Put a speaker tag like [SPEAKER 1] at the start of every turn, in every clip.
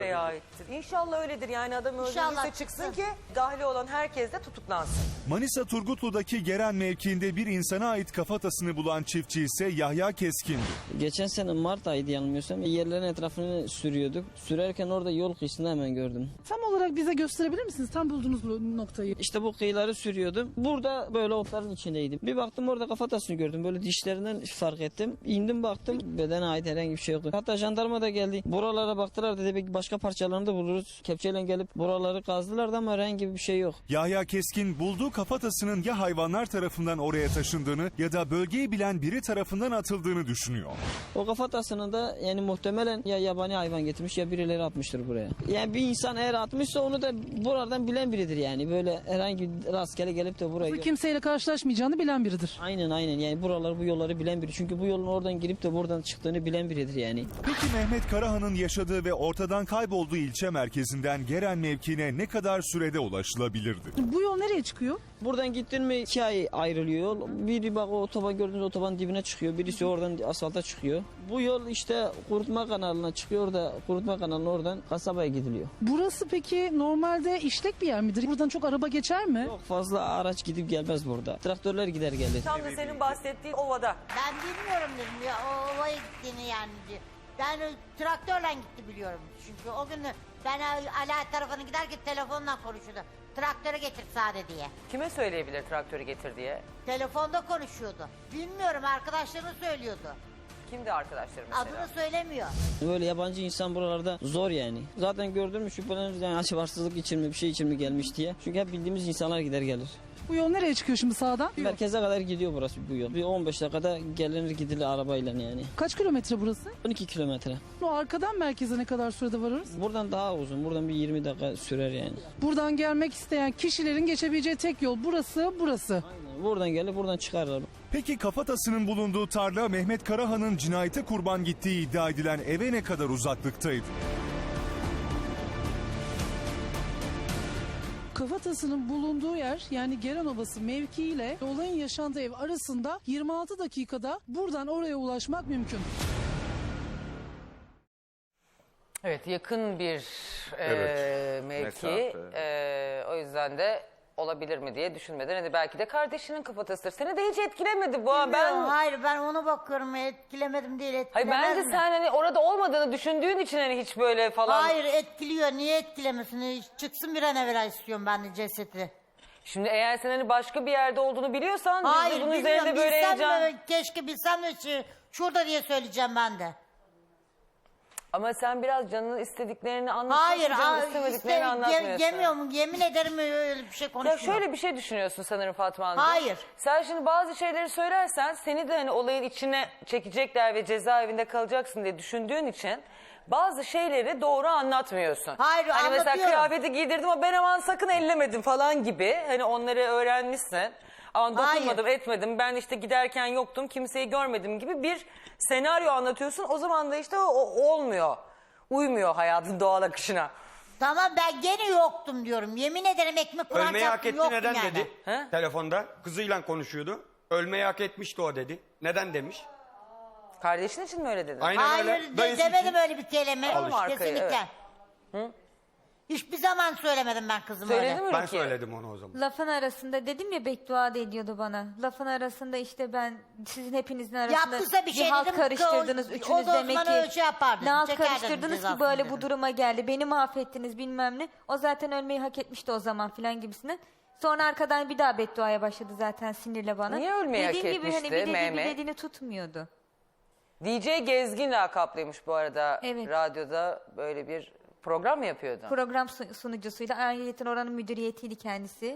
[SPEAKER 1] aittir. İnşallah öyledir, yani adam
[SPEAKER 2] İnşallah
[SPEAKER 1] öldürürse çıksın ki dahli olan herkes de tutuklansın.
[SPEAKER 3] Manisa Turgutlu'daki Geren mevkiinde bir insana ait kafatasını bulan çiftçi ise Yahya Keskin'di.
[SPEAKER 4] Geçen sene Mart ayıydı yanılmıyorsam. Yerlerin etrafını sürüyorduk. Sürerken orada yol kıyısında hemen gördüm.
[SPEAKER 5] Tam olarak bize gösterebilir misiniz? Tam bulduğunuz bu noktayı.
[SPEAKER 4] İşte bu kıyıları sürüyordum. Burada böyle otların içindeydim. Bir baktım orada kafatasını gördüm. Böyle dişlerinden fark ettim. İndim baktım. Bedene ait herhangi bir şey yoktu. Hatta jandarma da geldi. Buralara baktılar dedi. Belki başka parçalarını da buluruz. Kepçeyle gelip buraları kazdılar da ama herhangi bir şey yok.
[SPEAKER 3] Yahya Keskin bulduğu kafatasının ya hayvanlar tarafından oraya taşındığını ya da bölgeyi bilen biri tarafından atıldığını düşünüyor.
[SPEAKER 4] O kafatasını da yani muhtemelen ya yabani hayvan getirmiş ya birileri atmıştır buraya. Yani bir insan eğer atmışsa onu da buradan bilen biridir yani. Böyle herhangi bir rastgele gelip de buraya...
[SPEAKER 5] Kimseyle karşılaşmayacağını bilen biridir.
[SPEAKER 4] Aynen yani buraları bu yolları bilen biri. Çünkü bu yolun oradan girip de buradan çıktığını bilen biridir yani.
[SPEAKER 3] Peki Mehmet Karahan'ın yaşadığı ve ortadan kaybolduğu ilçe merkezinden Geren mevkiine ne kadar sürede ulaşılabilirdi?
[SPEAKER 5] Bu yol nereye çıkıyor?
[SPEAKER 4] Buradan gittin mi 2 ay ayrılıyor yol. Biri bak o otoban gördüğünüz otobanın dibine çıkıyor. Birisi oradan asfalta çıkıyor. Bu yol işte Kurutma Kanalı'na çıkıyor da Kurutma Kanalı'na oradan kasabaya gidiliyor.
[SPEAKER 5] Burası peki normalde işlek bir yer midir? Buradan çok araba geçer mi?
[SPEAKER 4] Çok fazla araç gidip gelmez burada. Traktörler gider gelir.
[SPEAKER 1] Tam da senin bahsettiğin ovada.
[SPEAKER 2] Ben bilmiyorum dedim ya o ovaya gittiğini yani. Ben traktörle gitti biliyorum. Çünkü o gün ben Ala tarafına giderken telefonla konuşuyordu. Traktörü getir sade diye.
[SPEAKER 1] Kime söyleyebilir traktörü getir diye?
[SPEAKER 2] Telefonda konuşuyordu. Bilmiyorum arkadaşlarına söylüyordu.
[SPEAKER 1] Kimdi arkadaşlarım mesela?
[SPEAKER 2] Adını söylemiyor.
[SPEAKER 4] Böyle yabancı insan buralarda zor yani. Zaten gördün mü şüpheleniriz yani açıvarsızlık için mi bir şey için mi gelmiş diye. Çünkü hep bildiğimiz insanlar gider gelir.
[SPEAKER 5] Bu yol nereye çıkıyor şimdi sağdan?
[SPEAKER 4] Merkeze kadar gidiyor burası bu yol. Bir 15 dakikada gelinir gidilir arabayla yani.
[SPEAKER 5] Kaç kilometre burası?
[SPEAKER 4] 12 kilometre.
[SPEAKER 5] O arkadan merkeze ne kadar sürede varırız?
[SPEAKER 4] Buradan daha uzun. Buradan bir 20 dakika sürer yani.
[SPEAKER 5] Buradan gelmek isteyen kişilerin geçebileceği tek yol burası.
[SPEAKER 4] Aynen. Buradan gelip buradan çıkarlar.
[SPEAKER 3] Peki kafatasının bulunduğu tarla Mehmet Karahan'ın cinayete kurban gittiği iddia edilen eve ne kadar uzaklıktaydı?
[SPEAKER 5] Kafatasının bulunduğu yer yani Geren Obası mevkiiyle olayın yaşandığı ev arasında 26 dakikada buradan oraya ulaşmak mümkün.
[SPEAKER 1] Evet, yakın bir mevki. O yüzden de olabilir mi diye düşünmeden hani belki de kardeşinin kafatasıdır. Seni de hiç etkilemedi bu.
[SPEAKER 2] Hayır ben ona bakıyorum etkilemedim değil
[SPEAKER 1] Hayır,
[SPEAKER 2] etkilemez
[SPEAKER 1] bence
[SPEAKER 2] mi?
[SPEAKER 1] sen hani orada olmadığını düşündüğün için hani hiç böyle falan.
[SPEAKER 2] Hayır etkiliyor niye etkilemesin? Çıksın bir an evvel istiyorum ben de cesedi.
[SPEAKER 1] Şimdi eğer sen hani başka bir yerde olduğunu biliyorsan biz
[SPEAKER 2] Hayır
[SPEAKER 1] de bunun
[SPEAKER 2] bilmiyorum
[SPEAKER 1] üzerinde böyle
[SPEAKER 2] bilsem
[SPEAKER 1] heyecan.
[SPEAKER 2] de keşke bilsem de şurada diye söyleyeceğim ben de.
[SPEAKER 1] Ama sen biraz canının istediklerini anlatıyorsun.
[SPEAKER 2] Hayır
[SPEAKER 1] canının istemediklerini anlatmıyorsun.
[SPEAKER 2] yemiyorum yemin ederim öyle bir şey
[SPEAKER 1] Ya
[SPEAKER 2] konuşmuyorum.
[SPEAKER 1] şöyle bir şey düşünüyorsun sanırım Fatma Hanım.
[SPEAKER 2] Hayır.
[SPEAKER 1] Sen şimdi bazı şeyleri söylersen seni de hani olayın içine çekecekler ve cezaevinde kalacaksın diye düşündüğün için bazı şeyleri doğru anlatmıyorsun.
[SPEAKER 2] Hayır,
[SPEAKER 1] hani mesela
[SPEAKER 2] anlatıyorum.
[SPEAKER 1] kıyafeti giydirdim ama ben aman sakın ellemedim falan gibi. Hani onları öğrenmişsin. Aman dokunmadım etmedim ben işte giderken yoktum kimseyi görmedim gibi bir senaryo anlatıyorsun. O zaman da işte o olmuyor. Uymuyor hayatın doğal akışına.
[SPEAKER 2] Tamam ben gene yoktum diyorum. Yemin ederim ekmek Kur'an
[SPEAKER 6] Ölmeyi hak
[SPEAKER 2] çarptım
[SPEAKER 6] etti
[SPEAKER 2] yoktum
[SPEAKER 6] neden
[SPEAKER 2] yani.
[SPEAKER 6] dedi
[SPEAKER 1] He?
[SPEAKER 6] telefonda. Kızıyla konuşuyordu. Ölmeyi hak etmişti o dedi. Neden demiş?
[SPEAKER 1] Kardeşin için mi öyle dedin?
[SPEAKER 6] Aynen
[SPEAKER 2] Hayır
[SPEAKER 6] öyle. Dayısı
[SPEAKER 2] demedim
[SPEAKER 6] için.
[SPEAKER 2] öyle bir kelime.
[SPEAKER 1] Alın arkayı,
[SPEAKER 2] Kesinlikle.
[SPEAKER 1] evet.
[SPEAKER 2] Hiçbir zaman söylemedim ben kızıma
[SPEAKER 1] Söyledin
[SPEAKER 2] öyle.
[SPEAKER 1] mi
[SPEAKER 6] Ben
[SPEAKER 1] Rukiye?
[SPEAKER 6] söyledim onu o zaman.
[SPEAKER 7] Lafın arasında dedim ya beddua da ediyordu bana. Lafın arasında işte ben sizin hepinizin arasında
[SPEAKER 2] Yaptıysa bir şey
[SPEAKER 7] halt
[SPEAKER 2] dedim,
[SPEAKER 7] karıştırdınız.
[SPEAKER 2] o
[SPEAKER 7] Üçünüz
[SPEAKER 2] da o
[SPEAKER 7] demek
[SPEAKER 2] zaman
[SPEAKER 7] ki
[SPEAKER 2] öyle şey yapardı,
[SPEAKER 7] ne halt
[SPEAKER 2] çekerdi
[SPEAKER 7] karıştırdınız ki
[SPEAKER 2] cezasını
[SPEAKER 7] böyle
[SPEAKER 2] dedim.
[SPEAKER 7] bu duruma geldi. Beni mahvettiniz bilmem ne. O zaten ölmeyi hak etmişti o zaman filan gibisinden. Sonra arkadan bir daha bedduaya başladı zaten sinirle bana.
[SPEAKER 1] Niye ölmeyi hak
[SPEAKER 7] Dediğim gibi hani
[SPEAKER 1] etmişti
[SPEAKER 7] bir dediği
[SPEAKER 1] Mehmet?
[SPEAKER 7] bir dediğini tutmuyordu.
[SPEAKER 1] DJ Gezgin lakaplıymış bu arada.
[SPEAKER 7] Evet.
[SPEAKER 1] Radyoda böyle bir program mı yapıyordu?
[SPEAKER 7] Program sunucusuyla ayrıyeten oranın müdüriyetiydi kendisi.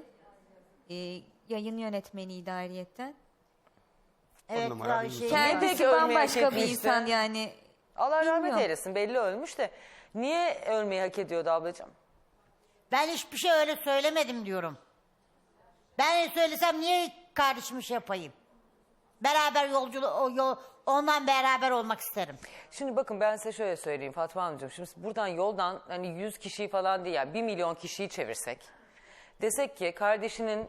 [SPEAKER 7] Yayın yönetmeniydi ayrıyetten.
[SPEAKER 2] Evet,
[SPEAKER 6] numara
[SPEAKER 2] daha
[SPEAKER 6] bir
[SPEAKER 2] şey.
[SPEAKER 6] insan.
[SPEAKER 1] Ne
[SPEAKER 7] Kendisi
[SPEAKER 1] peki ölmeyi hak
[SPEAKER 7] bambaşka bir
[SPEAKER 1] etmişti?
[SPEAKER 7] insan yani.
[SPEAKER 1] Allah rahmet
[SPEAKER 7] Bilmiyorum.
[SPEAKER 1] eylesin, belli ölmüş de. Niye ölmeyi hak ediyordu ablacığım?
[SPEAKER 2] Ben hiçbir şey öyle söylemedim diyorum. Ben söylesem niye kardeşim iş yapayım? Beraber ondan beraber olmak isterim.
[SPEAKER 1] Şimdi bakın ben size şöyle söyleyeyim Fatma Hanımcığım. Şimdi buradan yoldan hani 100 kişiyi falan değil yani 1 milyon kişiyi çevirsek. Desek ki kardeşinin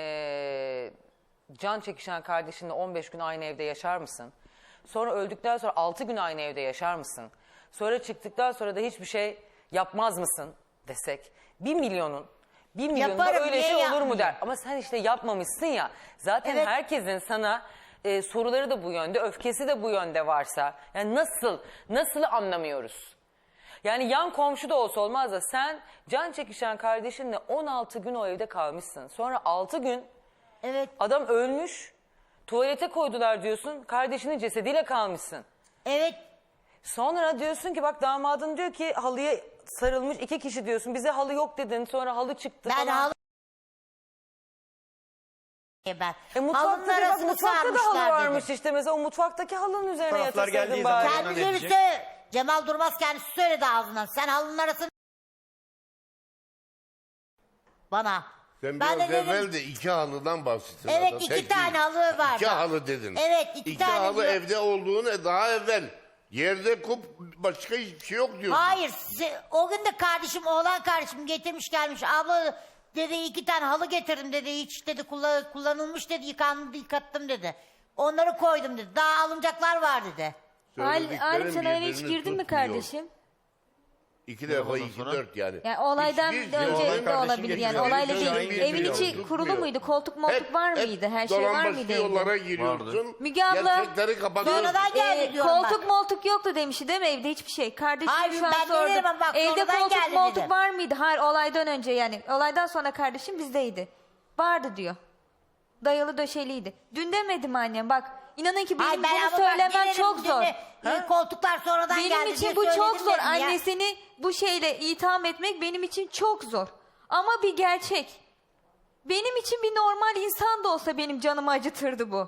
[SPEAKER 1] can çekişen kardeşinle 15 gün aynı evde yaşar mısın? Sonra öldükten sonra 6 gün aynı evde yaşar mısın? Sonra çıktıktan sonra da hiçbir şey yapmaz mısın desek 1 milyonun
[SPEAKER 2] Yaparım,
[SPEAKER 1] öyle
[SPEAKER 2] niye
[SPEAKER 1] şey olur mu
[SPEAKER 2] yapmayayım?
[SPEAKER 1] der. Ama sen işte yapmamışsın ya. Zaten
[SPEAKER 2] Evet.
[SPEAKER 1] herkesin sana soruları da bu yönde, öfkesi de bu yönde varsa. Yani nasıl anlamıyoruz? Yani yan komşu da olsa olmaz da sen can çekişen kardeşinle 16 gün o evde kalmışsın. Sonra 6 gün
[SPEAKER 2] Evet.
[SPEAKER 1] adam ölmüş, tuvalete koydular diyorsun, kardeşinin cesediyle kalmışsın.
[SPEAKER 2] Evet.
[SPEAKER 1] Sonra diyorsun ki bak damadın diyor ki halıya sarılmış 2 kişi diyorsun. Bize halı yok dedin, sonra halı çıktı
[SPEAKER 2] Ben
[SPEAKER 1] falan.
[SPEAKER 2] halı... Ben.
[SPEAKER 1] Mutfakta,
[SPEAKER 2] Halının
[SPEAKER 1] bak,
[SPEAKER 2] arasını
[SPEAKER 1] mutfakta da halı
[SPEAKER 2] sarmışlar
[SPEAKER 1] varmış
[SPEAKER 2] dedim.
[SPEAKER 1] işte mesela o mutfaktaki halının üzerine
[SPEAKER 6] Taraflar
[SPEAKER 1] yatısaydın
[SPEAKER 6] geldiği
[SPEAKER 1] bari.
[SPEAKER 6] zaman-
[SPEAKER 2] Kendileri
[SPEAKER 6] diyecek?
[SPEAKER 2] Cemal Durmaz kendisi söyledi ağzından. Sen halının arasını... Bana.
[SPEAKER 8] Sen
[SPEAKER 2] Ben
[SPEAKER 8] biraz
[SPEAKER 2] de dedim-
[SPEAKER 8] evvel de 2 halıdan bahsettin.
[SPEAKER 2] Evet,
[SPEAKER 8] adam.
[SPEAKER 2] 2
[SPEAKER 8] Tek
[SPEAKER 2] tane
[SPEAKER 8] değil.
[SPEAKER 2] halı var.
[SPEAKER 8] 2 halı dedin.
[SPEAKER 2] Evet, 2
[SPEAKER 8] 2
[SPEAKER 2] tane
[SPEAKER 8] halı
[SPEAKER 2] diyor.
[SPEAKER 8] evde olduğunu daha evvel. Yerde kup başka hiçbir şey yok diyordun.
[SPEAKER 2] Hayır. O gün de oğlan kardeşim getirmiş gelmiş. Abla dedi 2 tane halı getirdim dedi. Hiç dedi kullanılmış dedi. Yıkattım dedi. Onları koydum dedi. Daha alınacaklar var dedi.
[SPEAKER 8] Söylediklerin
[SPEAKER 7] Halim sen eve hiç
[SPEAKER 8] birbirini
[SPEAKER 7] girdin mi
[SPEAKER 8] tutmuyor.
[SPEAKER 7] kardeşim?
[SPEAKER 8] 2 defa 2 4 yani.
[SPEAKER 7] Yani olaydan
[SPEAKER 8] Hiçbir
[SPEAKER 7] önce
[SPEAKER 8] zaman
[SPEAKER 7] de olabilir yani
[SPEAKER 8] kardeşim
[SPEAKER 7] olayla
[SPEAKER 8] getiriyor,
[SPEAKER 7] değil.
[SPEAKER 8] getiriyor,
[SPEAKER 7] Evin içi
[SPEAKER 8] tutmuyor.
[SPEAKER 7] kurulu muydu? Koltuk moltuk var mıydı? Her şey var
[SPEAKER 8] dolambaçlı
[SPEAKER 7] mıydı
[SPEAKER 8] yollara
[SPEAKER 7] evde?
[SPEAKER 8] giriyorsun.
[SPEAKER 7] Müge abla,
[SPEAKER 8] Gerçekleri kapatıyorsun.
[SPEAKER 2] Sonradan geldi diyorum
[SPEAKER 7] Koltuk
[SPEAKER 2] bak.
[SPEAKER 7] moltuk yoktu demişti değil mi evde hiçbir şey? Kardeşim
[SPEAKER 2] Hayır,
[SPEAKER 7] şu an
[SPEAKER 2] ben
[SPEAKER 7] sordu.
[SPEAKER 2] dedim ama bak,
[SPEAKER 7] Evde
[SPEAKER 2] sonradan
[SPEAKER 7] koltuk
[SPEAKER 2] geldi
[SPEAKER 7] moltuk
[SPEAKER 2] dedim.
[SPEAKER 7] var mıydı? Hayır olaydan önce yani. Olaydan sonra kardeşim bizdeydi. Vardı diyor. Dayalı döşeliydi. Dün demedim annem bak. İnanın ki benim
[SPEAKER 2] Ay, ben
[SPEAKER 7] bunu
[SPEAKER 2] ama bak,
[SPEAKER 7] söylemem
[SPEAKER 2] bilirim
[SPEAKER 7] çok
[SPEAKER 2] dedi.
[SPEAKER 7] zor.
[SPEAKER 2] Koltuklar sonradan geldi
[SPEAKER 7] Benim
[SPEAKER 2] diye
[SPEAKER 7] için bu çok
[SPEAKER 2] söyledim
[SPEAKER 7] zor.
[SPEAKER 2] dedim ya.
[SPEAKER 7] Annesini bu şeyle itham etmek benim için çok zor. Ama bir gerçek. Benim için bir normal insan da olsa benim canımı acıtırdı bu.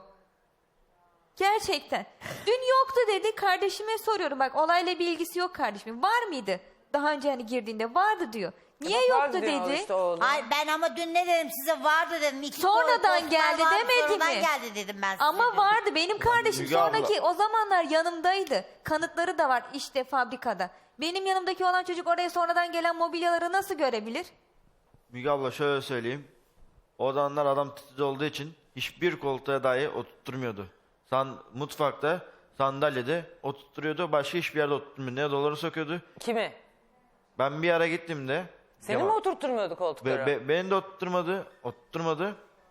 [SPEAKER 7] Gerçekten. Dün yoktu dedi. Kardeşime soruyorum. Bak olayla bir ilgisi yok kardeşimin. Var mıydı? Daha önce hani girdiğinde vardı diyor. Niye
[SPEAKER 1] Bak,
[SPEAKER 7] yoktu
[SPEAKER 1] vardı diyor
[SPEAKER 7] dedi.
[SPEAKER 1] işte oğlum.
[SPEAKER 2] Ay ben ama dün ne dedim size vardı dedim.
[SPEAKER 7] Sonradan
[SPEAKER 2] koltuklar
[SPEAKER 7] geldi
[SPEAKER 2] vardı,
[SPEAKER 7] demedi
[SPEAKER 2] sonradan
[SPEAKER 7] mi?
[SPEAKER 2] geldi dedim ben size.
[SPEAKER 7] Ama
[SPEAKER 2] dedim.
[SPEAKER 7] vardı. Benim kardeşim
[SPEAKER 9] Müge abla.
[SPEAKER 7] sonraki o zamanlar yanımdaydı. Kanıtları da var işte fabrikada. Benim yanımdaki olan çocuk oraya sonradan gelen mobilyaları nasıl görebilir?
[SPEAKER 9] Müge abla şöyle söyleyeyim. O zamanlar adam titiz olduğu için hiçbir koltuğa dahi oturtmuyordu. Mutfakta, sandalyede oturtuyordu. Başka hiçbir yerde oturtmuyordu. Ne doları sokuyordu.
[SPEAKER 1] Kimi?
[SPEAKER 9] Ben bir ara gittiğimde...
[SPEAKER 1] Seni mi oturtturmuyordu koltuklara?
[SPEAKER 9] Beni de oturtturmadı.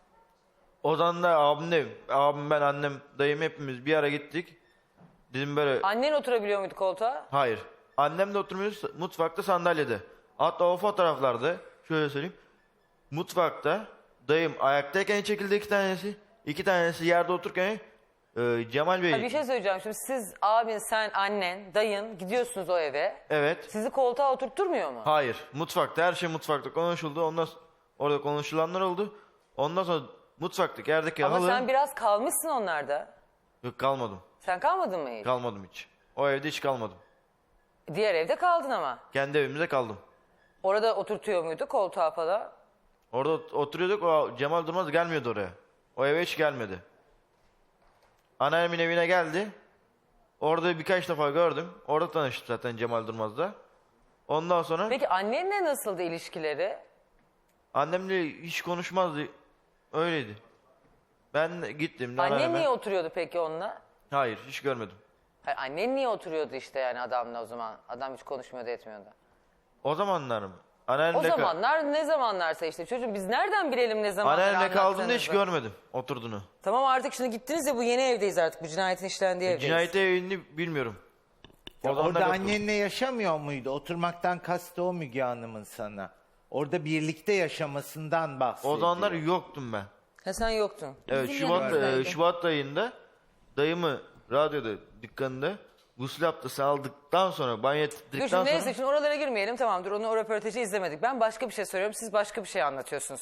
[SPEAKER 9] O zaman da abim ben annem dayım hepimiz bir ara gittik. Dedim böyle
[SPEAKER 1] Annen oturabiliyor muydu koltuğa?
[SPEAKER 9] hayır. Annem de oturmuyor mutfakta sandalyede. Hatta o fotoğraflarda şöyle söyleyeyim. Mutfakta dayım ayaktayken çekildi 2 tanesi. 2 tanesi yerde otururken Cemal Bey.
[SPEAKER 1] Ha, bir şey söyleyeceğim. Şimdi siz, abin, sen, annen, dayın gidiyorsunuz o eve.
[SPEAKER 9] Evet.
[SPEAKER 1] Sizi koltuğa oturtturmuyor mu?
[SPEAKER 9] Hayır. Mutfakta her şey mutfakta konuşuldu. Orada konuşulanlar oldu. Ondan sonra mutfaktaki yerdeki
[SPEAKER 1] Ama
[SPEAKER 9] halı...
[SPEAKER 1] sen biraz kalmışsın onlarda.
[SPEAKER 9] Yok kalmadım.
[SPEAKER 1] Sen kalmadın mı hiç?
[SPEAKER 9] Kalmadım hiç. O evde hiç kalmadım.
[SPEAKER 1] Diğer evde kaldın ama.
[SPEAKER 9] Kendi evimizde kaldım.
[SPEAKER 1] Orada oturtuyor muydu koltuğa falan?
[SPEAKER 9] Orada oturuyorduk. O Cemal Durmaz gelmiyordu oraya. O eve hiç gelmedi. Anneannemin evine geldi. Orada birkaç defa gördüm. Orada tanıştım zaten Cemal Durmaz'la. Ondan sonra
[SPEAKER 1] Peki annenle nasıldı ilişkileri?
[SPEAKER 9] annemle hiç konuşmazdı. Öyleydi. Ben gittim.
[SPEAKER 1] Annen
[SPEAKER 9] anneanneme-
[SPEAKER 1] niye oturuyordu peki onunla?
[SPEAKER 9] Hayır hiç görmedim.
[SPEAKER 1] Hayır, annen niye oturuyordu işte yani adamla o zaman? Adam hiç konuşmuyordu etmiyordu.
[SPEAKER 9] O zamanlar mı?
[SPEAKER 1] O
[SPEAKER 9] Anneannemle,
[SPEAKER 1] zamanlar ne zamanlarsa işte çocuğum biz nereden bilelim ne zamanlar
[SPEAKER 9] anneannemle kaldığımda hiç
[SPEAKER 1] anlattığınızı?
[SPEAKER 9] görmedim oturduğunu.
[SPEAKER 1] Tamam artık şimdi gittiniz ya bu yeni evdeyiz artık bu cinayetin işlendiği evdeyiz.
[SPEAKER 9] Cinayete evini bilmiyorum. O zamanlar
[SPEAKER 10] Orada
[SPEAKER 9] yoktu.
[SPEAKER 10] annenle yaşamıyor muydu? Oturmaktan kastı o Müge Hanım'ın sana. Orada birlikte yaşamasından bahsediyor.
[SPEAKER 9] O zamanlar yoktum ben.
[SPEAKER 1] Ha sen yoktun.
[SPEAKER 9] Evet
[SPEAKER 7] Bizim yanımızdaydı.
[SPEAKER 9] Şubat ayında dayımı radyoda dükkanında gusül abdesti aldıktan sonra banyo
[SPEAKER 1] Dur
[SPEAKER 9] ettikten
[SPEAKER 1] şimdi
[SPEAKER 9] sonra
[SPEAKER 1] neyse şimdi oralara girmeyelim tamam dur onu o röportajı izlemedik. Ben başka bir şey söylüyorum siz başka bir şey anlatıyorsunuz.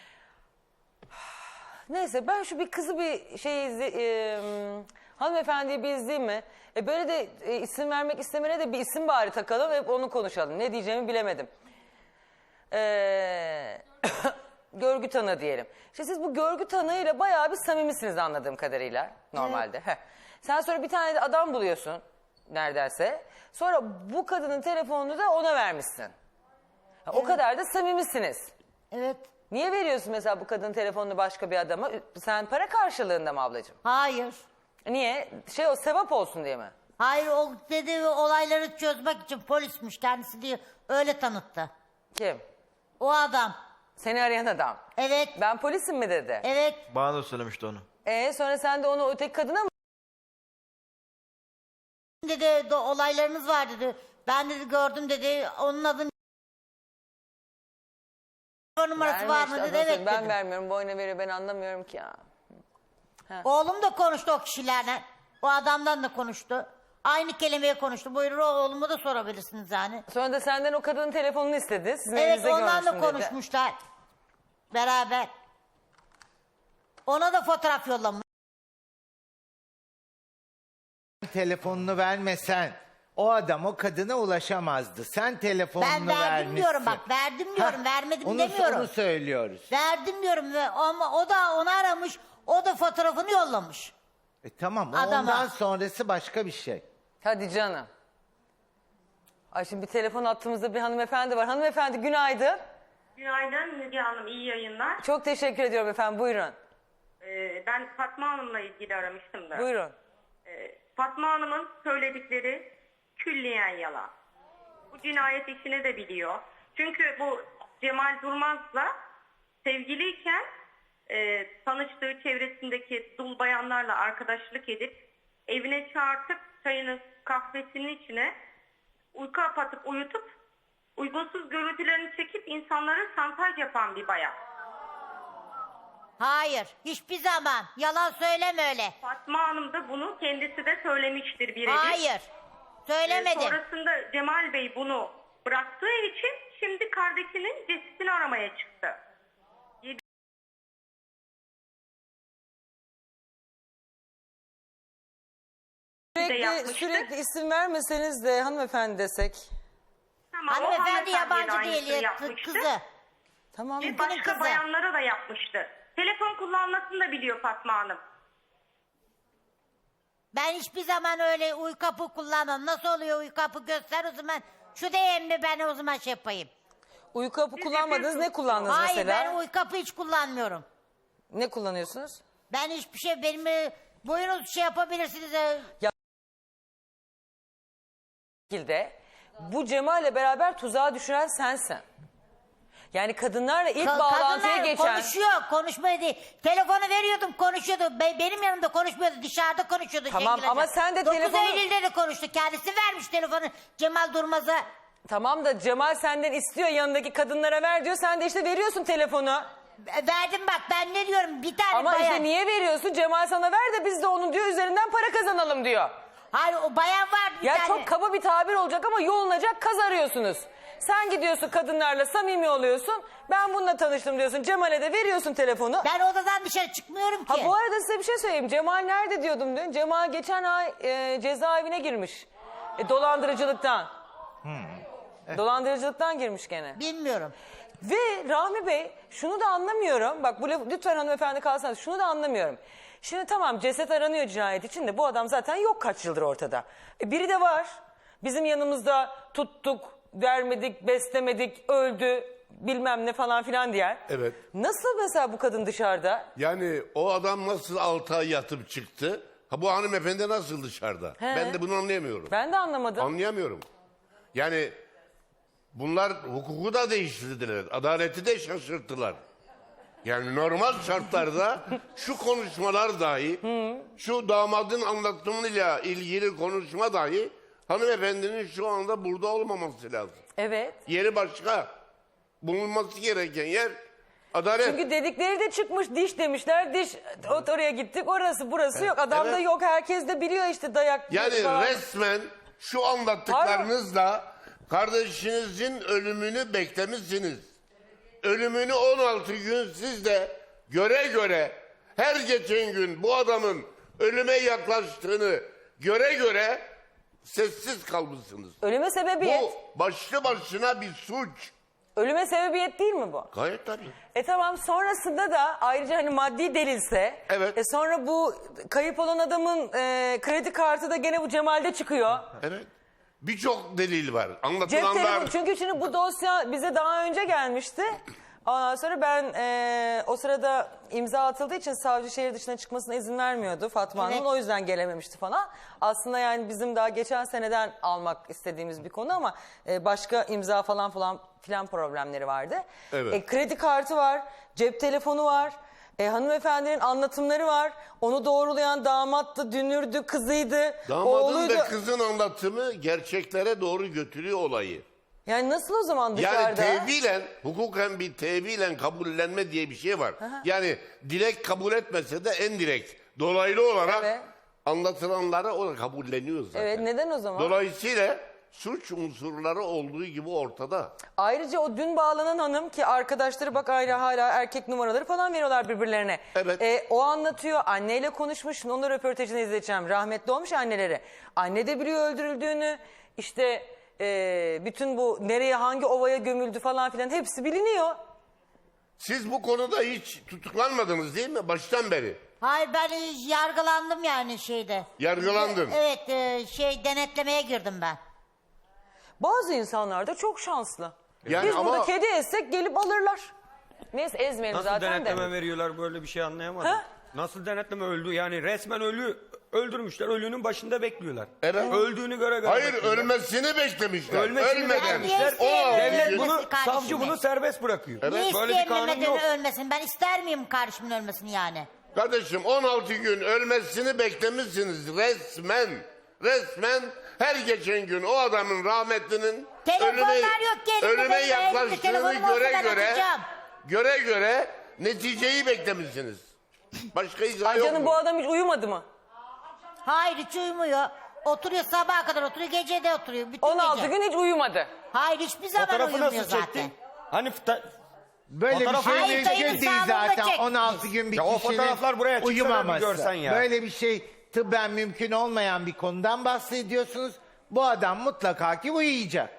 [SPEAKER 1] Neyse ben şu bir kızı bir hanımefendiyi bir izleyeyim mi? Böyle de isim vermek istemene de bir isim bari takalım hep onu konuşalım. Ne diyeceğimi bilemedim. Görgü tanığı diyelim. İşte siz bu görgü tanığıyla bayağı bir samimisiniz anladığım kadarıyla normalde. Heh. Sen sonra bir tane de adam buluyorsun neredeyse. Sonra bu kadının telefonunu da ona vermişsin. Ha, o kadar da samimisiniz.
[SPEAKER 2] Evet.
[SPEAKER 1] Niye veriyorsun mesela bu kadının telefonunu başka bir adama? Sen para karşılığında mı ablacığım?
[SPEAKER 2] Hayır.
[SPEAKER 1] Niye? O sevap olsun diye mi?
[SPEAKER 2] Hayır o dedi olayları çözmek için polismiş kendisi diye öyle tanıttı.
[SPEAKER 1] Kim?
[SPEAKER 2] O adam.
[SPEAKER 1] Seni arayan adam.
[SPEAKER 2] Evet.
[SPEAKER 1] Ben polisim mi dedi?
[SPEAKER 2] Evet.
[SPEAKER 9] Bana da söylemişti onu.
[SPEAKER 1] Sonra sen de onu öteki kadına mı?
[SPEAKER 2] Dedi olaylarınız var dedi. Ben dedi gördüm dedi. Onun adını numarası
[SPEAKER 1] Verme
[SPEAKER 2] var
[SPEAKER 1] işte,
[SPEAKER 2] mı dedi.
[SPEAKER 1] adam
[SPEAKER 2] Evet
[SPEAKER 1] söyledi. Ben
[SPEAKER 2] dedim.
[SPEAKER 1] vermiyorum. Boyuna veriyor. Ben anlamıyorum ki ya.
[SPEAKER 2] Oğlum da konuştu o kişilerle. O adamdan da konuştu. Aynı kelimeyi konuştu. Buyurun oğlumu da sorabilirsiniz yani.
[SPEAKER 1] Sonra da senden o kadının telefonunu istedi. Sizin
[SPEAKER 2] Evet
[SPEAKER 1] elinizde
[SPEAKER 2] ondan da
[SPEAKER 1] görmüştüm dedi.
[SPEAKER 2] konuşmuşlar. Beraber. Ona da fotoğraf yollamış.
[SPEAKER 10] Telefonunu vermesen o adam o kadına ulaşamazdı. Sen telefonunu
[SPEAKER 2] Ben verdim
[SPEAKER 10] vermişsin.
[SPEAKER 2] diyorum bak verdim diyorum vermedim
[SPEAKER 10] onu,
[SPEAKER 2] demiyorum.
[SPEAKER 10] Onu söylüyoruz.
[SPEAKER 2] Verdim diyorum ve ama o da onu aramış. O da fotoğrafını yollamış.
[SPEAKER 10] Tamam
[SPEAKER 2] Adama.
[SPEAKER 10] ondan sonrası başka bir şey.
[SPEAKER 1] Hadi canım. Ay şimdi bir telefon attığımızda bir hanımefendi var. Hanımefendi günaydın.
[SPEAKER 11] Günaydın Müge Hanım, iyi yayınlar.
[SPEAKER 1] Çok teşekkür ediyorum efendim. Buyurun.
[SPEAKER 11] Ben Fatma Hanım'la ilgili aramıştım da.
[SPEAKER 1] Buyurun.
[SPEAKER 11] Fatma Hanım'ın söyledikleri külliyen yalan. Bu cinayet işini de biliyor. Çünkü bu Cemal Durmaz'la sevgiliyken tanıştığı çevresindeki dul bayanlarla arkadaşlık edip evine çağırtıp çayını kahvesinin içine uyku apatıp uyutup uygunsuz görüntülerini çekip insanlara şantaj yapan bir bayan.
[SPEAKER 2] Hayır hiçbir zaman. Yalan söyleme öyle.
[SPEAKER 11] Fatma Hanım da bunu kendisi de söylemiştir birebir.
[SPEAKER 2] Hayır. Söylemedim.
[SPEAKER 11] Sonrasında Cemal Bey bunu bıraktığı için şimdi kardeşinin cesedini aramaya çıktı.
[SPEAKER 1] Sürekli isim vermeseniz de hanımefendi desek.
[SPEAKER 11] Tamam, o
[SPEAKER 2] Hanımefendi
[SPEAKER 11] hanımefendiye de
[SPEAKER 2] yabancı
[SPEAKER 11] aynısını
[SPEAKER 2] değil
[SPEAKER 11] yapmıştı.
[SPEAKER 2] kızı.
[SPEAKER 1] Tamam.
[SPEAKER 11] Ve başka
[SPEAKER 2] kızı.
[SPEAKER 11] bayanlara da yapmıştı. Telefon kullanmasını da biliyor Fatma Hanım.
[SPEAKER 2] Ben hiçbir zaman öyle uykapı kullanmam. Nasıl oluyor uykapı göster o zaman. Şu DM'de ben o zaman şey yapayım.
[SPEAKER 1] Uyku hapı kullanmadınız. Ne kullandınız
[SPEAKER 2] Hayır
[SPEAKER 1] mesela?
[SPEAKER 2] ben uykapı hiç kullanmıyorum.
[SPEAKER 1] Ne kullanıyorsunuz?
[SPEAKER 2] Ben hiçbir şey benim boyunuz şey yapabilirsiniz.
[SPEAKER 1] Şekilde bu Cemal'le beraber tuzağa düşüren sensin. Yani kadınlarla ilk bağlantıya
[SPEAKER 2] Kadınlar
[SPEAKER 1] geçen...
[SPEAKER 2] konuşuyor, konuşmuyor değil. Telefonu veriyordum, konuşuyordu. Benim yanımda konuşmuyordu, dışarıda konuşuyordu.
[SPEAKER 1] Tamam,
[SPEAKER 2] Şengül
[SPEAKER 1] ama
[SPEAKER 2] Hoca.
[SPEAKER 1] sen de
[SPEAKER 2] 9
[SPEAKER 1] telefonu-
[SPEAKER 2] Eylül'de de konuştu. Kendisi vermiş telefonu Cemal Durmaz'a.
[SPEAKER 1] Tamam da Cemal senden istiyor yanındaki kadınlara ver diyor. Sen de işte veriyorsun telefonu.
[SPEAKER 2] Verdim bak ben ne diyorum bir tane
[SPEAKER 1] Ama
[SPEAKER 2] bayan.
[SPEAKER 1] işte niye veriyorsun? Cemal sana ver de biz de onun diyor üzerinden para kazanalım diyor.
[SPEAKER 2] Hayır o bayan var bir
[SPEAKER 1] Ya
[SPEAKER 2] tane.
[SPEAKER 1] çok kaba bir tabir olacak ama yolunacak kaz arıyorsunuz. Sen gidiyorsun kadınlarla samimi oluyorsun. Ben bununla tanıştım diyorsun. Cemal'e de veriyorsun telefonu.
[SPEAKER 2] Ben odadan dışarı çıkmıyorum ki.
[SPEAKER 1] Ha bu arada size bir şey söyleyeyim. Cemal nerede diyordum dün. Cemal geçen ay cezaevine girmiş. Dolandırıcılıktan. Dolandırıcılıktan girmiş gene.
[SPEAKER 2] Bilmiyorum.
[SPEAKER 1] Ve Rahmi Bey şunu da anlamıyorum. Bak bu lütfen hanımefendi kalsanız şunu da anlamıyorum. Şimdi tamam ceset aranıyor cinayet için de bu adam zaten yok kaç yıldır ortada. Biri de var. Bizim yanımızda tuttuk, vermedik, beslemedik, öldü bilmem ne falan filan diyen.
[SPEAKER 8] Evet.
[SPEAKER 1] Nasıl mesela bu kadın dışarıda?
[SPEAKER 8] Yani o adam nasıl 6 ay yatıp çıktı? Ha bu hanımefendi nasıl dışarıda?
[SPEAKER 1] He.
[SPEAKER 8] Ben de bunu anlayamıyorum.
[SPEAKER 1] Ben de anlamadım.
[SPEAKER 8] Anlayamıyorum. Yani bunlar hukuku da değiştirdiler. Adaleti de şaşırttılar. Yani normal şartlarda şu konuşmalar dahi, şu damadın anlatımıyla ilgili konuşma dahi hanımefendinin şu anda burada olmaması lazım.
[SPEAKER 1] Evet.
[SPEAKER 8] Yeri başka. Bulunması gereken yer adalet.
[SPEAKER 1] Çünkü dedikleri de çıkmış diş demişler. Diş oraya gittik orası burası yok. Adam da
[SPEAKER 8] Evet.
[SPEAKER 1] yok herkes de biliyor işte dayak.
[SPEAKER 8] Yani
[SPEAKER 1] falan.
[SPEAKER 8] resmen şu anlattıklarınızla kardeşinizin ölümünü beklemişsiniz. Ölümünü 16 gün siz de göre göre her geçen gün bu adamın ölüme yaklaştığını göre göre sessiz kalmışsınız.
[SPEAKER 1] Ölüme sebebiyet.
[SPEAKER 8] Bu başlı başına bir suç.
[SPEAKER 1] Ölüme sebebiyet değil mi bu?
[SPEAKER 8] Gayet tabii.
[SPEAKER 1] Tamam sonrasında da ayrıca hani maddi delilse.
[SPEAKER 8] Evet.
[SPEAKER 1] Sonra bu kayıp olan adamın kredi kartı da gene bu Cemal'de çıkıyor.
[SPEAKER 8] Evet. Birçok delil var.
[SPEAKER 1] Cep
[SPEAKER 8] Anlatılanlar.
[SPEAKER 1] telefonu çünkü şimdi bu dosya bize daha önce gelmişti. Ondan sonra ben o sırada imza atıldığı için savcı şehir dışına çıkmasına izin vermiyordu Fatma Hanım'ın.
[SPEAKER 2] Evet.
[SPEAKER 1] O yüzden gelememişti falan. Aslında yani bizim daha geçen seneden almak istediğimiz bir konu ama başka imza falan filan problemleri vardı.
[SPEAKER 8] Evet.
[SPEAKER 1] Kredi kartı var, cep telefonu var. Hanımefendinin anlatımları var. Onu doğrulayan damattı, dünürdü, kızıydı,
[SPEAKER 8] Damadın
[SPEAKER 1] oğluydu.
[SPEAKER 8] ve kızın anlatımı gerçeklere doğru götürüyor olayı.
[SPEAKER 1] Yani nasıl o zaman dışarıda?
[SPEAKER 8] Yani tevilen, hukuken bir tevilen kabullenme diye bir şey var. Yani direkt kabul etmese de en direkt, dolaylı olarak
[SPEAKER 1] Evet.
[SPEAKER 8] anlatılanları o da kabulleniyor zaten.
[SPEAKER 1] Evet, neden o zaman?
[SPEAKER 8] Dolayısıyla suç unsurları olduğu gibi ortada.
[SPEAKER 1] Ayrıca o dün bağlanan hanım ki arkadaşları bak hala erkek numaraları falan veriyorlar birbirlerine.
[SPEAKER 8] Evet.
[SPEAKER 1] O anlatıyor, anneyle konuşmuş. Şimdi onun röportajını izleyeceğim. Rahmetli olmuş anneleri. Anne de biliyor öldürüldüğünü. İşte bütün bu nereye hangi ovaya gömüldü falan filan hepsi biliniyor.
[SPEAKER 8] Siz bu konuda hiç tutuklanmadınız değil mi baştan beri?
[SPEAKER 2] Hayır ben yargılandım yani şeyde.
[SPEAKER 8] Yargılandın.
[SPEAKER 2] Evet denetlemeye girdim ben.
[SPEAKER 1] Bazı insanlar da çok şanslı.
[SPEAKER 8] Yani
[SPEAKER 1] Biz
[SPEAKER 8] ama-
[SPEAKER 1] burada kedi ezsek gelip alırlar. Neyse ezmeyelim
[SPEAKER 6] Nasıl
[SPEAKER 1] zaten
[SPEAKER 6] denetleme
[SPEAKER 1] de.
[SPEAKER 6] veriyorlar böyle bir şey anlayamadım.
[SPEAKER 1] Ha?
[SPEAKER 6] Nasıl denetleme öldü? Yani resmen öldürmüşler. Ölünün başında bekliyorlar.
[SPEAKER 8] Evet.
[SPEAKER 6] Öldüğünü göre
[SPEAKER 8] Hayır
[SPEAKER 6] bekliyorlar.
[SPEAKER 8] ölmesini beklemişler.
[SPEAKER 6] Ölmesini
[SPEAKER 8] Ölmeden.
[SPEAKER 6] beklemişler.
[SPEAKER 2] Ben niye
[SPEAKER 6] Devlet
[SPEAKER 2] isteyeyim
[SPEAKER 6] bunu,
[SPEAKER 2] ölmesi kardeşimi?
[SPEAKER 6] savcı bunu serbest bırakıyor.
[SPEAKER 2] Niye
[SPEAKER 6] Böyle bir
[SPEAKER 2] isteyeyim
[SPEAKER 6] kanun
[SPEAKER 2] Mehmet'in
[SPEAKER 6] yok.
[SPEAKER 2] ölmesini? Ben ister miyim kardeşimin ölmesini yani?
[SPEAKER 8] Kardeşim 16 gün ölmesini beklemişsiniz resmen. Resmen her geçen gün o adamın rahmetlinin
[SPEAKER 2] Telefonlar yok ki elimde,
[SPEAKER 8] ölüme
[SPEAKER 2] benim elimde.
[SPEAKER 8] yaklaştığını
[SPEAKER 2] Telefonum olsa ben atacağım.
[SPEAKER 8] göre neticeyi beklemişsiniz. Başka izah
[SPEAKER 1] Ay
[SPEAKER 8] yok
[SPEAKER 1] canım
[SPEAKER 8] mu?
[SPEAKER 1] bu adam hiç uyumadı mı?
[SPEAKER 2] Hayır hiç uyumuyor. Oturuyor sabaha kadar oturuyor, gece de oturuyor. Bütün
[SPEAKER 1] 16
[SPEAKER 2] gece.
[SPEAKER 1] gün hiç uyumadı.
[SPEAKER 2] Hayır hiçbir zaman
[SPEAKER 6] Fotoğrafı
[SPEAKER 2] uyumuyor
[SPEAKER 6] nasıl
[SPEAKER 2] zaten.
[SPEAKER 6] çektin? Hani
[SPEAKER 10] Böyle bir
[SPEAKER 6] Fotoğrafı-
[SPEAKER 10] şey
[SPEAKER 2] Hayır,
[SPEAKER 10] mümkün
[SPEAKER 2] dayının
[SPEAKER 10] değil
[SPEAKER 2] sağlığında
[SPEAKER 10] zaten.
[SPEAKER 2] çekmiş.
[SPEAKER 10] 16 gün bir
[SPEAKER 6] Ya o
[SPEAKER 10] kişinin
[SPEAKER 6] fotoğraflar buraya çıksa da bir
[SPEAKER 10] uyumaması.
[SPEAKER 6] görsen ya.
[SPEAKER 10] Böyle bir şey tıbben mümkün olmayan bir konudan bahsediyorsunuz. Bu adam mutlaka ki uyuyacak.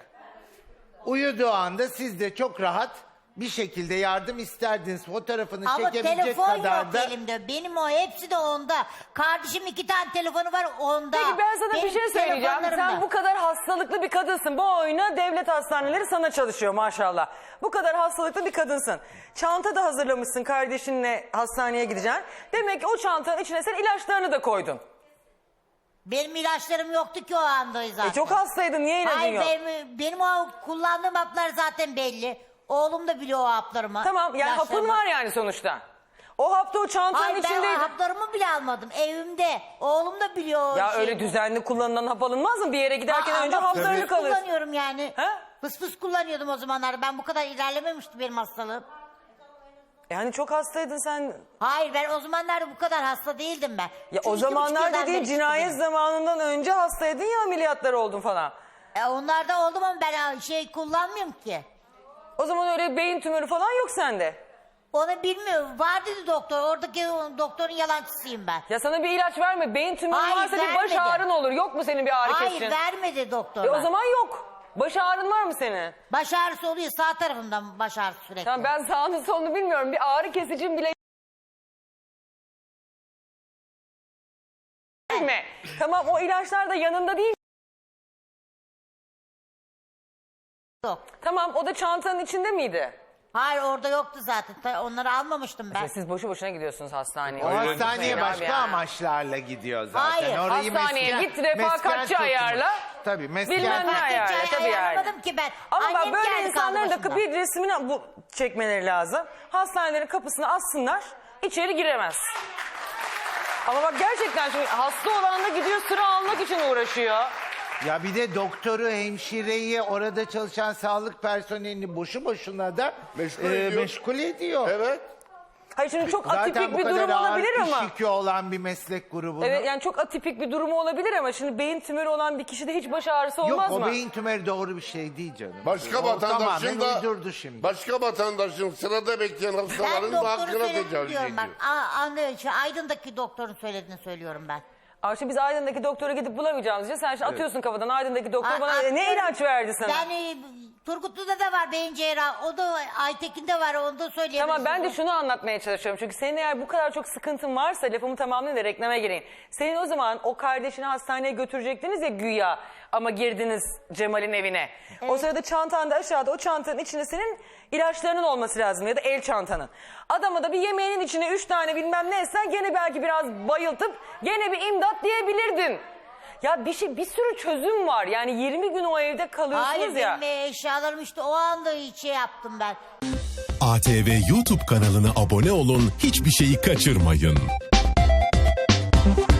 [SPEAKER 10] Uyuduğu anda siz de çok rahat bir şekilde yardım isterdiniz. Fotoğrafını
[SPEAKER 2] Ama
[SPEAKER 10] çekebilecek
[SPEAKER 2] telefon
[SPEAKER 10] kadar
[SPEAKER 2] yok
[SPEAKER 10] da...
[SPEAKER 2] elimde. Benim o hepsi de onda. Kardeşim 2 tane telefonu var onda.
[SPEAKER 1] Peki ben sana
[SPEAKER 2] Benim
[SPEAKER 1] bir şey söyleyeceğim.
[SPEAKER 2] telefonlarımda.
[SPEAKER 1] Sen bu kadar hastalıklı bir kadınsın. Bu oyuna devlet hastaneleri sana çalışıyor maşallah. Bu kadar hastalıklı bir kadınsın. Çanta da hazırlamışsın kardeşinle hastaneye gideceksin. Demek ki o çantanın içine sen ilaçlarını da koydun.
[SPEAKER 2] Benim ilaçlarım yoktu ki o anda zaten.
[SPEAKER 1] Çok hastaydın. Niye ilacın
[SPEAKER 2] Hayır
[SPEAKER 1] yok?
[SPEAKER 2] benim o kullandığım haplar zaten belli. Oğlum da biliyor o haplarımı.
[SPEAKER 1] Tamam yani hapın
[SPEAKER 2] ilaçlarımı.
[SPEAKER 1] var yani sonuçta. O hap da o çantanın
[SPEAKER 2] Hayır ben
[SPEAKER 1] içindeydi.
[SPEAKER 2] o haplarımı bile almadım. Evimde. Oğlum da biliyor. o
[SPEAKER 1] Ya
[SPEAKER 2] şeyi.
[SPEAKER 1] öyle düzenli kullanılan hap alınmaz mı? Bir yere giderken
[SPEAKER 2] Aa,
[SPEAKER 1] önce
[SPEAKER 2] ama
[SPEAKER 1] haplarını
[SPEAKER 2] fıs fıs
[SPEAKER 1] kalırsın.
[SPEAKER 2] kullanıyorum yani.
[SPEAKER 1] Ha?
[SPEAKER 2] Fıs fıs kullanıyordum o zamanlar. Ben bu kadar ilerlememişti benim hastalığım.
[SPEAKER 1] Yani çok hastaydın sen.
[SPEAKER 2] Hayır ben o zamanlarda bu kadar hasta değildim ben.
[SPEAKER 1] Ya
[SPEAKER 2] Şu
[SPEAKER 1] o
[SPEAKER 2] 2,5
[SPEAKER 1] zamanlar
[SPEAKER 2] yıldan
[SPEAKER 1] dediğin
[SPEAKER 2] beri
[SPEAKER 1] cinayet
[SPEAKER 2] çıktı
[SPEAKER 1] zamanından önce hastaydın ya ameliyatlar oldun falan.
[SPEAKER 2] benim. Onlarda oldum ama ben kullanmıyorum ki.
[SPEAKER 1] O zaman öyle beyin tümörü falan yok sende.
[SPEAKER 2] Onu bilmiyorum. Var dedi doktor. Oradaki doktorun yalancısıyım ben.
[SPEAKER 1] Ya sana bir ilaç verme. Beyin tümörü
[SPEAKER 2] Hayır,
[SPEAKER 1] varsa bir baş
[SPEAKER 2] vermedi.
[SPEAKER 1] ağrın olur. Yok mu senin bir ağrı
[SPEAKER 2] Hayır
[SPEAKER 1] kesici?
[SPEAKER 2] vermedi doktor.
[SPEAKER 1] O zaman yok. Baş ağrın var mı senin?
[SPEAKER 2] Baş ağrısı oluyor. Sağ tarafımdan baş ağrısı sürekli.
[SPEAKER 1] Tamam ben sağını solunu bilmiyorum. Bir ağrı kesicin bile mi? Tamam o ilaçlar da yanında değil.
[SPEAKER 2] Yok.
[SPEAKER 1] Tamam o da çantanın içinde miydi?
[SPEAKER 2] Hayır orada yoktu zaten. Onları almamıştım ben.
[SPEAKER 1] Siz boşu boşuna gidiyorsunuz hastaneye.
[SPEAKER 10] O
[SPEAKER 1] Öyle
[SPEAKER 10] hastaneye
[SPEAKER 1] düşünmeyin
[SPEAKER 10] başka
[SPEAKER 1] abi yani.
[SPEAKER 10] amaçlarla gidiyor zaten.
[SPEAKER 2] Hayır,
[SPEAKER 1] hastaneye
[SPEAKER 10] mesken-
[SPEAKER 1] git, refakatçi
[SPEAKER 10] mesken tutmuş.
[SPEAKER 1] ayarla.
[SPEAKER 10] Tabii mesken
[SPEAKER 1] Bilmem ne ayarla. Tabii yani.
[SPEAKER 2] Ayarlamadım ki ben.
[SPEAKER 1] Ama bak
[SPEAKER 2] Annem
[SPEAKER 1] böyle
[SPEAKER 2] geldi
[SPEAKER 1] insanların
[SPEAKER 2] kaldı
[SPEAKER 1] da
[SPEAKER 2] başımda.
[SPEAKER 1] bir resmini çekmeleri lazım. Hastanelerin kapısını assınlar. İçeri giremez. Ama bak gerçekten şimdi hasta olan da gidiyor sıra almak için uğraşıyor.
[SPEAKER 10] Ya bir de doktoru, hemşireyi, orada çalışan sağlık personelini boşu boşuna da meşgul ediyor.
[SPEAKER 8] Evet.
[SPEAKER 1] Hayır şimdi çok
[SPEAKER 10] Zaten
[SPEAKER 1] atipik
[SPEAKER 10] bu
[SPEAKER 1] bir
[SPEAKER 10] kadar
[SPEAKER 1] durum
[SPEAKER 10] ağır
[SPEAKER 1] olabilir
[SPEAKER 10] iş
[SPEAKER 1] ama.
[SPEAKER 10] yükü olan bir meslek grubunu.
[SPEAKER 1] Evet yani çok atipik bir durumu olabilir ama şimdi beyin tümörü olan bir kişide hiç baş ağrısı olmaz
[SPEAKER 10] Yok
[SPEAKER 1] mı?
[SPEAKER 10] o beyin tümörü doğru bir şey değil canım.
[SPEAKER 8] Başka
[SPEAKER 10] O
[SPEAKER 8] vatandaşın
[SPEAKER 10] tamamen
[SPEAKER 8] da
[SPEAKER 10] uydurdu şimdi.
[SPEAKER 8] başka vatandaşın sırada bekleyen
[SPEAKER 2] Ben
[SPEAKER 8] hastaların da
[SPEAKER 2] doktoru
[SPEAKER 8] hakkına
[SPEAKER 2] söyledim
[SPEAKER 8] tecavüz
[SPEAKER 2] diyorum
[SPEAKER 8] ediyor.
[SPEAKER 2] bak. Aydın'daki doktorun söylediğini söylüyorum ben.
[SPEAKER 1] Ama şimdi biz Aydın'daki doktora gidip bulamayacağımız için sen şimdi atıyorsun kafadan Aydın'daki doktor
[SPEAKER 2] Aa,
[SPEAKER 1] bana ne
[SPEAKER 2] atıyorum.
[SPEAKER 1] ilaç verdi sana?
[SPEAKER 2] Ben Turgutlu'da da var beyin cerrahı. O da Aytekin'de var. Onu da söyleyeyim.
[SPEAKER 1] Tamam, ben de şunu anlatmaya çalışıyorum. Çünkü senin eğer bu kadar çok sıkıntın varsa, lafımı tamamlayayım da reklama gireyim. Senin o zaman o kardeşini hastaneye götürecektiniz ya güya, ama girdiniz Cemal'in evine. O sırada çantanda aşağıda, o çantanın içinde senin ilaçlarının olması lazım ya da el çantanın. Adama da bir yemeğinin içine 3 tane bilmem ne etsen gene belki biraz bayıltıp gene bir imdat diyebilirdin. Ya bir sürü çözüm var. Yani 20 gün o evde kalıyorsunuz
[SPEAKER 2] Hayır,
[SPEAKER 1] ya.
[SPEAKER 2] benim eşyalarım işte o anda hiç şey yaptım ben.
[SPEAKER 12] ATV YouTube kanalına abone olun, hiçbir şeyi kaçırmayın.